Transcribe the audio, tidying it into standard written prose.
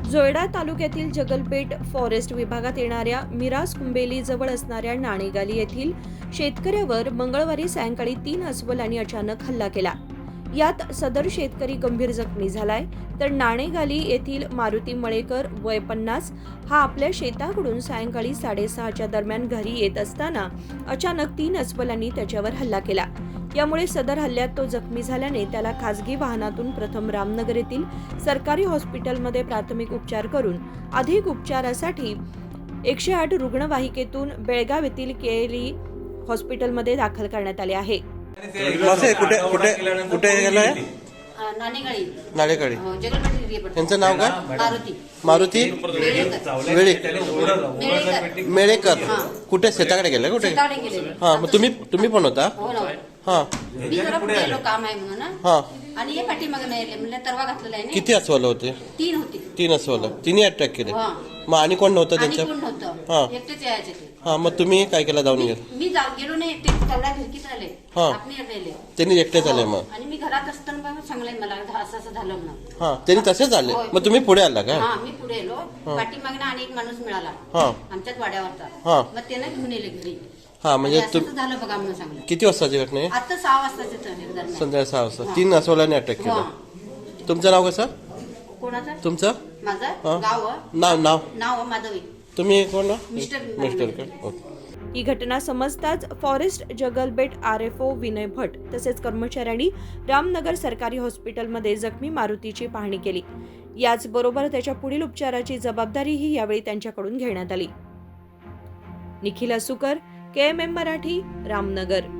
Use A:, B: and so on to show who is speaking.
A: जोयडा तालुक्यातील जगलपेठ फॉरेस्ट विभागात येणाऱ्या मिराज कुंबेली जवळ असणाऱ्या नाणेगाली येथील शेतकऱ्यावर मंगळवारी सायंकाळी 3 अस्वलांनी अचानक हल्ला केला. यात सदर शेतकरी गंभीर जखमी झालाय, तर नाणेगाली येथील मारुती मळेकर वय 50 हा आपल्या शेताकडून सायंकाळी 6:30च्या दरम्यान घरी येत असताना अचानक 3 अस्वलांनी त्याच्यावर हल्ला केला. यामुळे सदर हल्ल्यात तो जखमी झाल्याने त्याला खासगी वाहनातून प्रथम रामनगर येथील सरकारी हॉस्पिटलमध्ये प्राथमिक उपचार करून अधिक उपचारासाठी 108 रुग्णवाहिकेतून बेळगाव येथील केएलई हॉस्पिटलमध्ये दाखल करण्यात आले आहे.
B: कुठे गेलाय? नाणेगाळी. यांचं नाव काय? मारुती मेळेकर. कुठे शेताकडे गेले? कुठे? हा, मग तुम्ही पण होता? हा.
C: काम आहे म्हणून
B: हा.
C: आणि हे पाठीमागे नाही म्हणलं तरवा घातलेला आहे.
B: किती अस्वल होते?
C: 3 होते.
B: 3 अस्वल. तिन्ही अटॅक केले. मग आणि कोण नव्हतं त्यांच्या?
C: हा, एकटेच यायचे ते.
B: हा, मग तुम्ही काय केलं? जाऊन गेले?
C: मी गेलो नाही, ते तेवढ्या घरकीत आले. आपण राहिले.
B: त्यांनी एकटेच आले मग?
C: आणि मी घरात असताना सांगले मला असं झालं म्हणून.
B: हा, त्यांनी तसेच आले. मग तुम्ही पुढे आला का?
C: हा, मी पुढे आलो. पाठीमागे आणि एक माणूस मिळाला आमच्याच वाड्यावरचा. मग त्यानं घेऊन येले घरी.
B: हा, म्हणजे
C: झालं बघा म्हणून सांगलं.
B: किती वाजताची घटना आहे?
C: आता 6 वाजताचे
B: संध्याकाळी 6 वाजता 3 अस्वलांनी अटॅक केला. तुमचं नाव कसं?
C: कोणाचं?
B: तुमचं
C: माझं गाव नाव माधवी.
B: तुम्ही कोण?
C: मिस्टर
B: का?
A: ही घटना समजताच फॉरेस्ट जगलबेट आरएफओ विनय भट तसेच कर्मचाऱ्यांनी रामनगर सरकारी हॉस्पिटलमध्ये जखमी मारुतीची पाहणी केली. याचबरोबर त्याच्या पुढील उपचाराची जबाबदारीही यावेळी त्यांच्याकडून घेण्यात आली. निखिल असुकर, KMM मराठी, रामनगर.